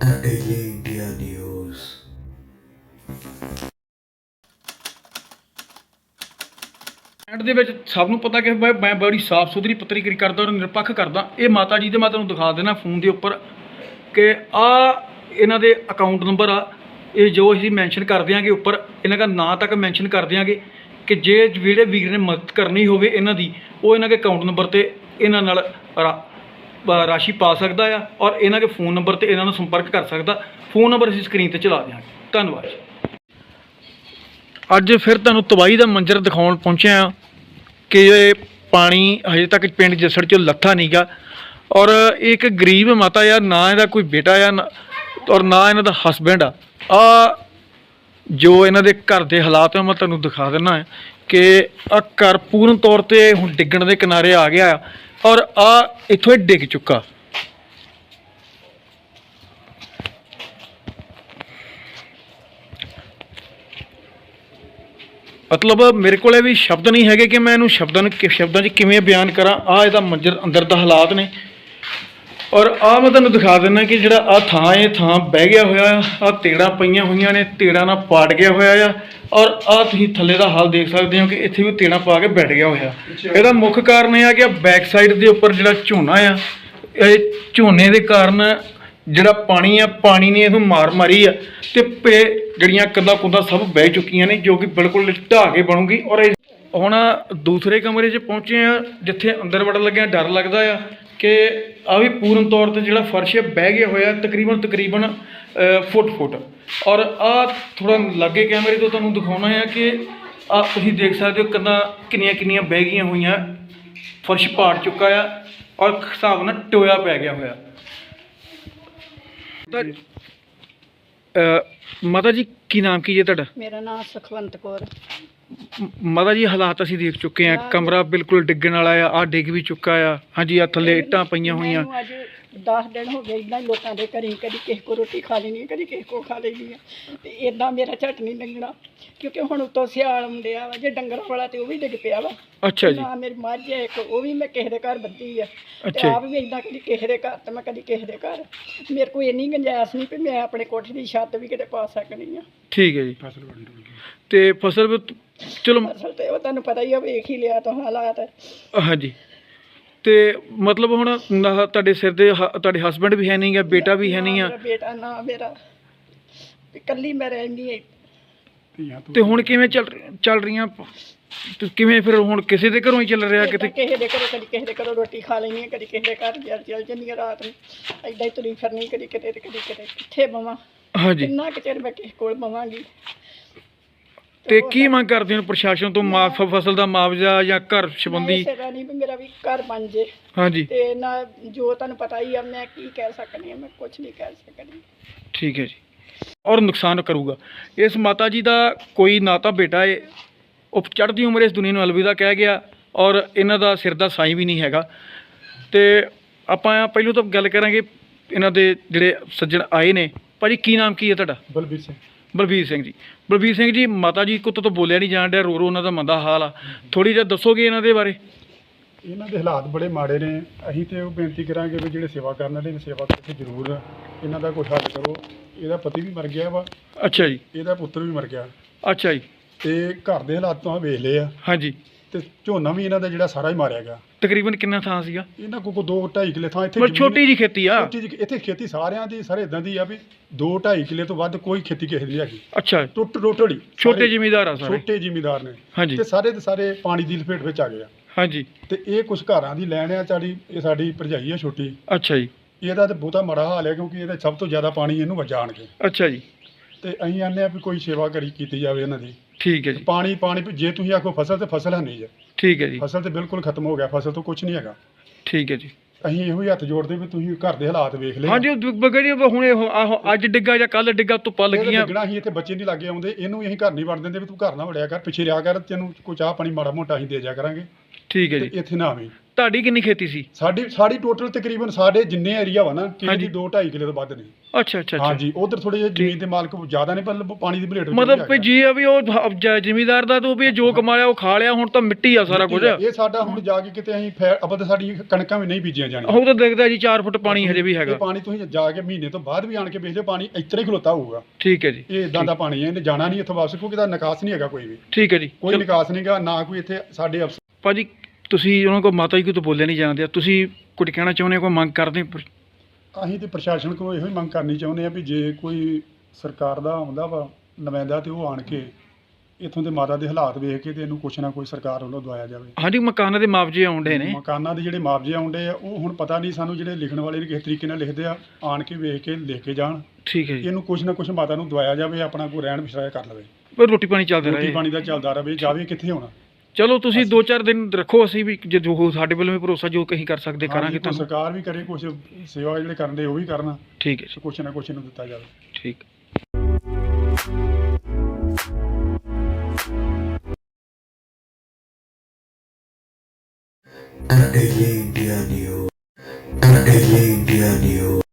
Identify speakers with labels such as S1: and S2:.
S1: The Daily India News।
S2: End ਦੇ ਵਿੱਚ ਸਭ ਨੂੰ ਪਤਾ ਕਿ ਮੈਂ ਬੜੀ ਸਾਫ਼ ਸੁਥਰੀ ਪੱਤਰੀਕਾਰੀ ਕਰਦਾ ਔਰ ਨਿਰਪੱਖ ਕਰਦਾ। ਇਹ ਮਾਤਾ ਜੀ ਦੇ ਮੈਂ ਤੁਹਾਨੂੰ ਦਿਖਾ ਦੇਣਾ ਫੋਨ ਦੇ ਉੱਪਰ ਕਿ ਆ ਇਹਨਾਂ ਦੇ ਅਕਾਊਂਟ ਨੰਬਰ ਆ। ਇਹ ਜੋ ਅਸੀਂ ਮੈਂਸ਼ਨ ਕਰ ਦਿਆਂਗੇ ਉੱਪਰ ਇਹਨਾਂ ਦਾ ਨਾਂ ਤੱਕ ਮੈਂਸ਼ਨ ਕਰ ਦਿਆਂਗੇ ਕਿ ਜੇ ਜਿਹੜੇ ਵੀਰ ਨੇ ਮਦਦ ਕਰਨੀ ਹੋਵੇ ਇਹਨਾਂ ਦੀ, ਉਹ ਇਹਨਾਂ ਦੇ ਅਕਾਊਂਟ ਨੰਬਰ 'ਤੇ ਇਹਨਾਂ ਨਾਲ ਰਾਸ਼ੀ ਪਾ ਸਕਦਾ ਆ ਔਰ ਇਹਨਾਂ ਦੇ ਫ਼ੋਨ ਨੰਬਰ 'ਤੇ ਇਹਨਾਂ ਨੂੰ ਸੰਪਰਕ ਕਰ ਸਕਦਾ। ਫ਼ੋਨ ਨੰਬਰ ਅਸੀਂ ਸਕਰੀਨ 'ਤੇ ਚਲਾ ਦਿਆਂਗੇ। ਧੰਨਵਾਦ। ਅੱਜ ਫਿਰ ਤੁਹਾਨੂੰ ਤਬਾਹੀ ਦਾ ਮੰਜ਼ਰ ਦਿਖਾਉਣ ਪਹੁੰਚਿਆ ਹਾਂ ਕਿ ਇਹ ਪਾਣੀ ਹਜੇ ਤੱਕ ਪਿੰਡ ਜੱਸੜ 'ਚੋਂ ਲੱਥਾ ਨਹੀਂ ਗਾ ਔਰ ਇਹ ਇੱਕ ਗਰੀਬ ਮਾਤਾ ਆ, ਨਾ ਇਹਦਾ ਕੋਈ ਬੇਟਾ ਆ ਔਰ ਨਾ ਇਹਨਾਂ ਦਾ ਹਸਬੈਂਡ ਆ। ਜੋ ਇਹਨਾਂ ਦੇ ਘਰ ਦੇ ਹਾਲਾਤ ਆ ਮੈਂ ਤੁਹਾਨੂੰ ਦਿਖਾ ਦਿੰਦਾ ਹੈ ਕਿ ਆ ਘਰ ਪੂਰਨ ਤੌਰ 'ਤੇ ਹੁਣ ਡਿੱਗਣ ਦੇ ਕਿਨਾਰੇ ਆ ਗਿਆ ਆ ਔਰ ਇੱਥੋਂ ਇਹ ਡਿੱਗ ਚੁੱਕਾ। ਮਤਲਬ ਮੇਰੇ ਕੋਲ ਵੀ ਸ਼ਬਦ ਨਹੀਂ ਹੈਗੇ ਕਿ ਮੈਂ ਇਹਨੂੰ ਸ਼ਬਦਾਂ 'ਚ ਕਿਵੇਂ ਬਿਆਨ ਕਰਾਂ। ਇਹਦਾ ਮੰਜ਼ਰ ਅੰਦਰ ਦਾ ਹਾਲਾਤ ਨੇ ਔਰ ਮੈਂ ਤੁਹਾਨੂੰ ਦਿਖਾ ਦਿੰਦਾ ਕਿ ਜਿਹੜਾ ਥਾਂ ਇਹ ਥਾਂ ਬਹਿ ਗਿਆ ਹੋਇਆ ਆ, ਤੇੜਾਂ ਪਈਆਂ ਹੋਈਆਂ ਨੇ, ਤੇੜਾਂ ਨਾਲ ਪਾਟ ਗਿਆ ਹੋਇਆ ਆ ਔਰ ਤੁਸੀਂ ਥੱਲੇ ਦਾ ਹਾਲ ਦੇਖ ਸਕਦੇ ਹੋ ਕਿ ਇੱਥੇ ਵੀ ਤੇੜਾਂ ਪਾ ਕੇ ਬੈਠ ਗਿਆ ਹੋਇਆ। ਇਹਦਾ ਮੁੱਖ ਕਾਰਨ ਇਹ ਆ ਕਿ ਬੈਕ ਸਾਈਡ ਦੇ ਉੱਪਰ ਜਿਹੜਾ ਝੋਨਾ ਆ, ਇਹ ਝੋਨੇ ਦੇ ਕਾਰਨ ਜਿਹੜਾ ਪਾਣੀ ਨੇ ਇਹਨੂੰ ਮਾਰ ਮਾਰੀ ਆ ਤੇ ਜਿਹੜੀਆਂ ਕੰਧਾਂ ਕੁੰਧਾਂ ਸਭ ਬਹਿ ਚੁੱਕੀਆਂ ਨੇ, ਜੋ ਕਿ ਬਿਲਕੁਲ ਢਾਹ ਕੇ ਬਣੂਗੀ। ਔਰ ਹੁਣ ਦੂਸਰੇ ਕਮਰੇ 'ਚ ਪਹੁੰਚੇ ਆ ਜਿੱਥੇ ਅੰਦਰ ਵੜਨ ਲੱਗਿਆ ਡਰ ਲੱਗਦਾ ਆ ਕਿ ਵੀ ਪੂਰਨ ਤੌਰ 'ਤੇ ਜਿਹੜਾ ਫਰਸ਼ ਬਹਿ ਗਿਆ ਹੋਇਆ ਤਕਰੀਬਨ ਫੁੱਟ ਔਰ ਥੋੜ੍ਹਾ ਲਾਗੇ ਕੈਮਰੇ ਤੋਂ ਤੁਹਾਨੂੰ ਦਿਖਾਉਣਾ ਆ ਕਿ ਤੁਸੀਂ ਦੇਖ ਸਕਦੇ ਹੋ ਕੰਧਾਂ ਕਿੰਨੀਆਂ ਬਹਿ ਗਈਆਂ ਹੋਈਆਂ, ਫਰਸ਼ ਪਾੜ ਚੁੱਕਾ ਆ ਔਰ ਹਿਸਾਬ ਨਾਲ ਟੋਇਆ ਪੈ ਗਿਆ ਹੋਇਆ। ਮਾਤਾ ਜੀ ਕੀ ਨਾਮ ਕੀ ਹੈ ਤੁਹਾਡਾ?
S3: ਮੇਰਾ ਨਾਮ ਸੁਖਵੰਤ ਕੌਰ।
S2: ਮਾਤਾ ਜੀ ਹਾਲਾਤ ਅਸੀਂ ਦੇਖ ਚੁੱਕੇ ਹਾਂ, ਕਮਰਾ ਬਿਲਕੁਲ ਡਿੱਗਣ ਵਾਲਾ ਆ ਡਿੱਗ ਵੀ ਚੁੱਕਾ ਆ। ਹਾਂਜੀ, ਥੱਲੇ ਇੱਟਾਂ ਪਈਆਂ ਹੋਈਆਂ।
S3: ਅੱਜ 10 ਦਿਨ ਹੋ ਗਏ ਇੱਦਾਂ ਹੀ ਲੋਕਾਂ ਦੇ ਘਰੀ, ਕਦੀ ਕਿਸੇ ਕੋ ਰੋਟੀ ਖਾ ਲੈਣੀ, ਕਦੀ ਕਿਸੇ ਕੋ ਖਾ ਲੈਣੀ ਆ ਤੇ ਇੱਦਾਂ ਮੇਰਾ ਝਟ ਨਹੀਂ ਲੰਘਣਾ ਕਿਉਂਕਿ ਹੁਣ ਉੱਤੋਂ ਸਿਆਲ ਆਉਂਦਿਆ ਵਾ। ਜੇ ਡੰਗਰਾਂ ਵਾਲਾ ਤੇ ਉਹ ਵੀ ਡਿੱਗ ਪਿਆ ਵਾ।
S2: ਅੱਛਾ ਜੀ।
S3: ਨਾ ਮੇਰੀ ਮੱਝ ਹੈ ਇੱਕ, ਉਹ ਵੀ ਮੈਂ ਕਿਸੇ ਦੇ ਘਰ ਬੱਧੀ ਆ ਤੇ
S2: ਅੱਛਾ।
S3: ਆਪ ਵੀ ਇੱਦਾਂ ਕਦੀ ਕਿਸੇ ਦੇ ਘਰ ਤੇ ਮੈਂ ਕਦੀ ਕਿਸੇ ਦੇ ਘਰ। ਮੇਰੇ ਕੋਲ ਇੰਨੀ ਗੁੰਜਾਇਸ਼ ਨਹੀਂ ਵੀ ਮੈਂ ਆਪਣੇ ਕੋਠੇ ਦੀ ਛੱਤ ਵੀ ਕਿਤੇ ਪਾ ਸਕਦੀ ਆ।
S2: ਠੀਕ ਹੈ ਜੀ। ਤੇ ਫਸਲ ਚਲੋ
S3: ਫਸਲ ਤੇ ਉਹ ਤੁਹਾਨੂੰ ਪਤਾ ਹੀ ਆ, ਵੇਖ ਹੀ ਲਿਆ ਤਾਂ ਹਾਲਾਤ।
S2: ਹਾਂਜੀ, ਤੇ ਮਤਲਬ ਹੁਣ ਤੁਹਾਡੇ ਸਿਰ ਦੇ ਤੁਹਾਡੇ ਹਸਬੈਂਡ ਵੀ ਹੈ ਨਹੀਂ ਗਾ, ਬੇਟਾ ਵੀ ਹੈ ਨਹੀਂ ਆ?
S3: ਮੇਰਾ ਬੇਟਾ ਨਾ, ਮੇਰਾ ਇਕੱਲੀ ਮੈਂ ਰਹਿੰਦੀ ਹਾਂ।
S2: ਤੇ ਹੁਣ ਕਿਵੇਂ ਚੱਲ ਰਹੀਆਂ ਕਿਵੇਂ ਫਿਰ ਹੁਣ ਕਿਸੇ ਦੇ ਘਰੋਂ ਹੀ ਚੱਲ ਰਿਹਾ? ਕਿਤੇ
S3: ਕਿਸੇ ਦੇ ਘਰੋਂ, ਕਦੀ ਕਿਸੇ ਦੇ ਘਰੋਂ ਰੋਟੀ ਖਾ ਲੈਣੀ, ਕਦੀ ਕਿਸੇ ਦੇ ਘਰ ਚੱਲ ਜਾਂਦੀ ਆ ਰਾਤ ਨੂੰ। ਏਦਾਂ ਹੀ ਤੁਰੀ ਫਿਰਨੀ, ਕਦੀ ਕਿਤੇ ਤੇ ਕਦੀ ਕਿਤੇ। ਕਿੱਥੇ ਬਵਾਂ?
S2: ਹਾਂਜੀ।
S3: ਕਿੰਨਾ ਕੁ ਚਿਰ ਮੈਂ ਕਿਸੇ ਕੋਲ ਬਵਾਂਗੀ?
S2: ਤੇ ਕੀ ਮੰਗ ਕਰਦੇ ਹੋ ਪ੍ਰਸ਼ਾਸਨ ਤੋਂ? ਫਸਲ ਦਾ ਮੁਆਵਜ਼ਾ ਜਾਂ ਘਰ ਸੰਬੰਧੀ?
S3: ਇਸੇ ਨਹੀਂ ਵੀ ਮੇਰਾ ਵੀ ਘਰ ਬਣ ਜੇ।
S2: ਹਾਂਜੀ।
S3: ਤੇ ਨਾ ਜੋ ਤੁਹਾਨੂੰ ਪਤਾ ਹੀ ਆ, ਮੈਂ ਕੀ ਕਹਿ ਸਕਦੀ ਆ, ਮੈਂ ਕੁਝ ਨਹੀਂ ਕਹਿ ਸਕਦੀ।
S2: ਠੀਕ ਹੈ ਜੀ। ਔਰ ਨੁਕਸਾਨ ਕਰੂਗਾ। ਇਸ ਮਾਤਾ ਜੀ ਦਾ ਕੋਈ ਨਾ ਤਾਂ ਬੇਟਾ ਹੈ, ਉਹ ਚੜ੍ਹਦੀ ਉਮਰ ਇਸ ਦੁਨੀਆ ਨੂੰ ਅਲਵਿਦਾ ਕਹਿ ਗਿਆ ਔਰ ਇਹਨਾਂ ਦਾ ਸਿਰ ਦਾ ਸਾਈਂ ਵੀ ਨਹੀਂ ਹੈਗਾ। ਤੇ ਆਪਾਂ ਪਹਿਲਾਂ ਤਾਂ ਗੱਲ ਕਰਾਂਗੇ ਇਹਨਾਂ ਦੇ ਜਿਹੜੇ ਸੱਜਣ ਆਏ ਨੇ। ਭਾਜੀ ਕੀ ਨਾਮ ਕੀ ਹੈ ਤੁਹਾਡਾ?
S4: ਬਲਬੀਰ ਸਿੰਘ।
S2: ਬਲਬੀਰ ਸਿੰਘ ਜੀ। ਬਲਬੀਰ ਸਿੰਘ ਜੀ, ਮਾਤਾ ਜੀ ਕੋਲ ਤਾਂ ਬੋਲਿਆ ਨਹੀਂ ਜਾਣ ਡਿਆ, ਰੋ ਉਹਨਾਂ ਦਾ ਮੰਦਾ ਹਾਲ ਆ। ਥੋੜ੍ਹੀ ਜਿਹਾ ਦੱਸੋਗੇ ਇਹਨਾਂ ਦੇ ਬਾਰੇ?
S4: ਇਹਨਾਂ ਦੇ ਹਾਲਾਤ ਬੜੇ ਮਾੜੇ ਨੇ। ਅਸੀਂ ਤੇ ਉਹ ਬੇਨਤੀ ਕਰਾਂਗੇ ਵੀ ਜਿਹੜੇ ਸੇਵਾ ਕਰਨ ਵਾਲੇ ਨੇ, ਸੇਵਾ ਕਰਕੇ ਜ਼ਰੂਰ ਇਹਨਾਂ ਦਾ ਕੋਈ ਹੱਲ ਕਰੋ। ਇਹਦਾ ਪਤੀ ਵੀ ਮਰ ਗਿਆ ਵਾ। ਅੱਛਾ ਜੀ। ਇਹਦਾ ਪੁੱਤਰ ਵੀ ਮਰ ਗਿਆ।
S2: ਅੱਛਾ ਜੀ।
S4: ਤੇ ਘਰ ਦੇ ਹਾਲਾਤ ਤੋਂ ਵੇਖ ਲਏ ਆ।
S2: ਹਾਂਜੀ।
S4: ਤੇ ਝੋਨਾ ਵੀ ਇਹਨਾਂ ਦਾ ਜਿਹੜਾ ਸਾਰਾ ਹੀ ਮਾਰਿਆ ਗਿਆ।
S2: ਤਕਰੀਬਨ ਕਿੰਨਾ ਥਾਂ ਸੀਗਾ
S4: ਇਹਨਾਂ ਕੋਲ 2-2.5 ਕਿੱਲੇ ਥਾਂ ਇੱਥੇ।
S2: ਛੋਟੀ ਜੀ ਖੇਤੀ ਆ।
S4: ਇੱਥੇ ਖੇਤੀ ਸਾਰਿਆਂ ਦੀ ਸਾਰੇ ਇਦਾਂ ਦੀ ਆ ਵੀ 2-2.5 ਕਿੱਲੇ ਤੋਂ ਵੱਧ ਕੋਈ ਖੇਤੀ ਕਿਸੇ ਦੀ ਨਹੀਂ ਹੈਗੀ।
S2: ਅੱਛਾ।
S4: ਟੋਟਲੀ
S2: ਛੋਟੇ ਜ਼ਿਮੀਂਦਾਰ ਆ ਸਾਰੇ।
S4: ਛੋਟੇ ਜ਼ਿਮੀਂਦਾਰ ਨੇ।
S2: ਹਾਂਜੀ।
S4: ਤੇ ਸਾਰੇ ਦੇ ਸਾਰੇ ਪਾਣੀ ਦੀ ਲਪੇਟ ਵਿੱਚ ਆ ਗਏ ਆ। ਹਾਂਜੀ। ਤੇ ਇਹ ਕੁਝ ਘਰਾਂ ਦੀ ਲੈਣ ਆ ਚਾੜੀ। ਇਹ ਸਾਡੀ ਭਰਜਾਈ ਆ ਛੋਟੀ।
S2: ਅੱਛਾ ਜੀ।
S4: ਇਹਦਾ ਤਾਂ ਬਹੁਤਾ ਮਾੜਾ ਹਾਲ ਹੈ ਕਿਉਂਕਿ ਇਹਦਾ ਸਭ ਤੋਂ ਜ਼ਿਆਦਾ ਪਾਣੀ ਇਹਨੂੰ ਵੱਜਾ ਆਣਗੇ।
S2: ਅੱਛਾ ਜੀ।
S4: ਤੇ ਅਸੀਂ ਆਨੇ ਆ ਵੀ ਕੋਈ ਸੇਵਾ ਕੀਤੀ ਜਾਵੇ ਇਹਨਾਂ ਦੀ।
S2: ਠੀਕ ਹੈ ਜੀ।
S4: ਪਾਣੀ ਜੇ ਤੁਸੀਂ ਆਖੋ ਫਸਲ ਤੇ ਫਸਲ ਹੈ ਨਹੀਂ ਜੀ। ਠੀਕ ਹੈ ਜੀ। ਫਸਲ ਤੇ ਬਿਲਕੁਲ ਖਤਮ ਹੋ ਗਿਆ, ਫਸਲ ਤੋਂ ਕੁਝ ਨਹੀਂ ਹੈਗਾ। ਠੀਕ ਹੈ ਜੀ। ਅਸੀਂ ਇਹੋ ਹੀ ਹੱਥ ਜੋੜਦੇ ਵੀ ਤੁਸੀਂ ਘਰ ਦੇ ਹਾਲਾਤ ਵੇਖ ਲਏ। ਹਾਂਜੀ।
S2: ਹੁਣ ਅੱਜ ਡਿੱਗਾ ਜਾਂ ਕੱਲ ਡਿੱਗਾ, ਧੁੱਪਾਂ ਲੱਗੀਆਂ।
S4: ਡਿੱਗਣਾ ਅਸੀਂ ਇੱਥੇ ਬੱਚੇ ਨਹੀਂ ਲੱਗੇ ਆਉਂਦੇ, ਇਹਨੂੰ ਅਸੀਂ ਘਰ ਨਹੀਂ ਵੜ ਦਿੰਦੇ ਵੀ ਤੂੰ ਘਰ ਨਾ ਵੜਿਆ ਕਰ, ਪਿੱਛੇ ਰਿਹਾ ਕਰ, ਤੈਨੂੰ ਕੋਈ ਚਾਹ ਪਾਣੀ ਮਾੜਾ ਮੋਟਾ ਅਸੀਂ ਦੇ ਜਾ ਕਰਾਂਗੇ।
S2: ਠੀਕ ਹੈ
S4: ਤੇ
S2: ਜੀ।
S4: ਇੱਥੇ ਨਾ ਆਵੇ।
S2: ਤੁਹਾਡੀ ਕਿੰਨੀ ਖੇਤੀ ਸੀ?
S4: ਸਾਡੀ ਟੋਟਲ ਤਕਰੀਬਨ ਸਾਡੇ ਜਿੰਨੇ ਏਰੀਆ ਵਾ ਨਾ ਕਿਸੇ
S2: ਹਾਂਜੀ।
S4: ਦੀ 2-2.5 ਕਿੱਲੇ ਤੋਂ ਵੱਧ ਨਹੀਂ।
S2: ਅੱਛਾ ਅੱਛਾ ਅੱਛਾ।
S4: ਹਾਂਜੀ ਉਧਰ ਥੋੜੇ ਜਿਹੇ ਜ਼ਮੀਨ ਦੇ ਮਾਲਕ ਜ਼ਿਆਦਾ ਨੇ ਪਰ ਪਾਣੀ ਦੀ ਭਲੇਟ ਵਿੱਚ
S2: ਮਤਲਬ ਵੀ ਜੀ ਆ ਵੀ ਉਹ ਜ਼ਿਮੀਦਾਰ ਦਾ ਤੋਂ ਵੀ ਇਹ ਜੋ ਕਮਾਇਆ ਉਹ ਖਾ ਲਿਆ, ਹੁਣ ਤਾਂ ਮਿੱਟੀ ਆ ਸਾਰਾ ਕੁਝ।
S4: ਇਹ ਸਾਡਾ ਹੁਣ ਜਾ ਕੇ ਕਿਤੇ ਅਸੀਂ ਆਪਾਂ ਤਾਂ ਸਾਡੀ ਕਣਕਾਂ ਵੀ ਨਹੀਂ ਬੀਜੀਆਂ ਜਾਣੀਆਂ।
S2: ਉਹ ਤਾਂ ਦੇਖਦਾ ਜੀ 4 ਫੁੱਟ ਪਾਣੀ ਹਜੇ ਵੀ ਹੈਗਾ।
S4: ਇਹ ਪਾਣੀ ਤੁਸੀਂ ਜਾ ਕੇ ਮਹੀਨੇ ਤੋਂ ਬਾਅਦ ਵੀ ਆਣ ਕੇ ਵੇਖ ਲਿਓ, ਪਾਣੀ ਇਤਰੇ ਹੀ ਖਲੋਤਾ ਹੋਊਗਾ।
S2: ਠੀਕ ਹੈ ਜੀ।
S4: ਇਹ ਇਦਾਂ ਦਾ ਪਾਣੀ ਹੈ, ਇਹਨੇ ਜਾਣਾ ਨਹੀਂ ਇੱਥੋਂ ਵਾਪਸ, ਕਿਉਂਕਿ ਇਹਦਾ ਨਿਕਾਸ ਨਹੀਂ ਹੈਗਾ ਕੋਈ ਵੀ।
S2: ਠੀਕ ਹੈ ਜੀ।
S4: ਕੋਈ ਨਿਕਾਸ ਨਹੀਂਗਾ, ਨਾ ਕੋਈ ਇੱਥੇ ਸਾਡੇ ਅਫਸਰ।
S2: ਭਾਜੀ ਤੁਸੀਂ ਉਹਨਾਂ ਕੋਲ ਮਾਤਾ ਜੀ ਕੋਈ ਤੋਂ ਬੋਲਿਆ ਨਹੀਂ ਜਾਂਦੇ, ਤੁਸੀਂ ਕੁਝ ਕਹਿਣਾ ਚਾਹੁੰਦੇ ਹੋ, ਕੋਈ ਮੰਗ ਕਰਦੇ?
S4: ਅਸੀਂ ਤੇ ਪ੍ਰਸ਼ਾਸਨ ਕੋਲ ਇਹੋ ਹੀ ਮੰਗ ਕਰਨੀ ਚਾਹੁੰਦੇ ਆ ਵੀ ਜੇ ਕੋਈ ਸਰਕਾਰ ਦਾ ਆਉਂਦਾ ਵਾ ਨੁਮਾਇੰਦਾ ਤੇ ਉਹ ਆਣ ਕੇ ਇੱਥੋਂ ਦੇ ਮਾਤਾ ਦੇ ਹਾਲਾਤ ਵੇਖ ਕੇ ਤੇ ਇਹਨੂੰ ਕੁਛ ਨਾ ਕੋਈ ਸਰਕਾਰ ਵੱਲੋਂ ਦਵਾਇਆ ਜਾਵੇ।
S2: ਹਾਂਜੀ ਮਕਾਨਾਂ ਦੇ ਮੁਆਵਜ਼ੇ ਆਉਂਦੇ ਨੇ।
S4: ਮਕਾਨਾਂ ਦੇ ਜਿਹੜੇ ਮੁਆਵਜ਼ੇ ਆਉਂਦੇ ਆ ਉਹ ਹੁਣ ਪਤਾ ਨਹੀਂ ਸਾਨੂੰ, ਜਿਹੜੇ ਲਿਖਣ ਵਾਲੇ ਨੇ ਕਿਸ ਤਰੀਕੇ ਨਾਲ ਲਿਖਦੇ ਆ, ਆਣ ਕੇ ਵੇਖ ਕੇ ਲਿਖ ਕੇ ਜਾਣ।
S2: ਠੀਕ ਹੈ ਜੀ।
S4: ਇਹਨੂੰ ਕੁਛ ਨਾ ਕੁਛ ਮਾਤਾ ਨੂੰ ਦਵਾਇਆ ਜਾਵੇ, ਆਪਣਾ ਕੋਈ ਰਹਿਣ ਬਸਰਾਇਆ ਕਰ ਲਵੇ,
S2: ਪਰ ਰੋਟੀ ਪਾਣੀ ਚੱਲਦਾ
S4: ਰੋਟੀ
S2: ਰਹੇ।
S4: ਪਾਣੀ ਦਾ ਚੱਲਦਾ ਰਹੇ, ਜਾਵੇ ਕਿੱਥੇ ਹੋਣਾ।
S2: ਚਲੋ ਤੁਸੀਂ 2-4 ਦਿਨ ਰੱਖੋ, ਅਸੀਂ ਵੀ ਜੇ ਜੋ ਸਾਡੇ ਵੱਲੋਂ ਵੀ ਭਰੋਸਾ ਜੋ ਕਹੀਂ ਕਰ ਸਕਦੇ ਕਰਾਂਗੇ
S4: ਹਾਂਜੀ, ਕੋਈ
S2: ਤੁਹਾਨੂੰ।
S4: ਸਰਕਾਰ ਵੀ ਕਰੇ, ਕੁਛ ਸੇਵਾ ਜਿਹੜੇ ਕਰਨ ਦੇ ਉਹ ਵੀ ਕਰਨ,
S2: ਠੀਕ ਹੈ ਜੀ।
S4: ਕੁਛ ਨਾ ਕੁਛ ਇਹਨੂੰ ਦਿੱਤਾ ਜਾਵੇ।
S2: ਠੀਕ।
S1: The Daily India News. The Daily India News.